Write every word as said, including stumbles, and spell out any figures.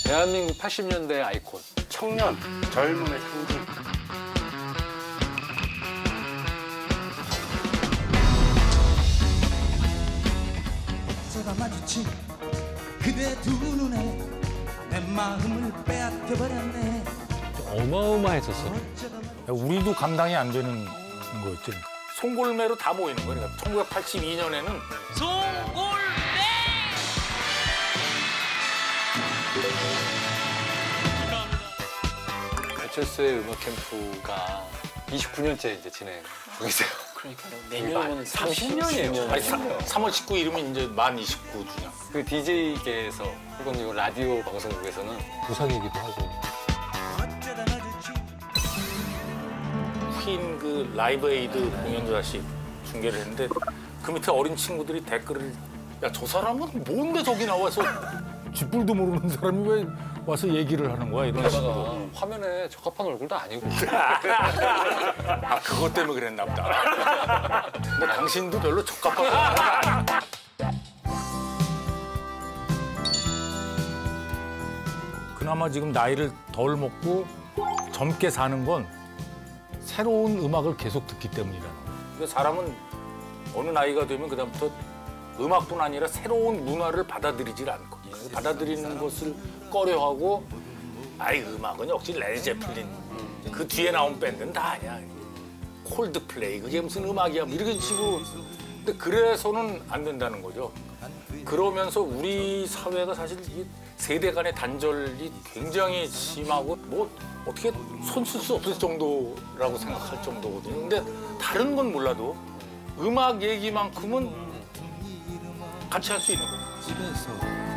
대한민국 팔십 년대 아이콘. 청년, 젊음의 상징. 어쩌다 마주친 그대 두 눈에 내 마음을 빼앗겨버렸네. 어마어마했었어. 우리도 감당이 안 되는 거였지. 송골매로 다 모이는 거니까 천구백팔십이 년에는 송골매! 배철수의 음악 캠프가 이십구 년째 이제 진행 중이세요. 그러니까요. 내년이면 삼십 년이에요. 아니, 삼월 십구일이면 이제 만 이십구 주년. 그 디제이계에서 혹은 이거 라디오 방송국에서는 부상이기도 하고. 어쩌다 마주친 퀸 그 라이브 에이드 공연도 다시 중계를 했는데 그 밑에 어린 친구들이 댓글을 야, 저 사람은 뭔데 저기 나와서 쥐뿔도 모르는 사람이 왜 와서 얘기를 하는 거야 이런 식으로. 화면에 적합한 얼굴도 아니고. 아 그것 때문에 그랬나 보다. 근데 당신도 별로 적합하고. 그나마 지금 나이를 덜 먹고 젊게 사는 건 새로운 음악을 계속 듣기 때문이라는 거예요. 사람은 어느 나이가 되면 그다음부터 음악뿐 아니라 새로운 문화를 받아들이질 않고 받아들이는 것을 꺼려하고 아이 음악은 역시 레드제플린 그 뒤에 나온 밴드는 다 아니야. 콜드플레이 그게 무슨 음악이야 뭐 이렇게 치고. 근데 그래서는 안 된다는 거죠. 그러면서 우리 사회가 사실 이 세대 간의 단절이 굉장히 심하고 뭐 어떻게 손 쓸 수 없을 정도라고 생각할 정도거든요. 근데 다른 건 몰라도 음악 얘기만큼은 같이 할 수 있는 거예요. 집에서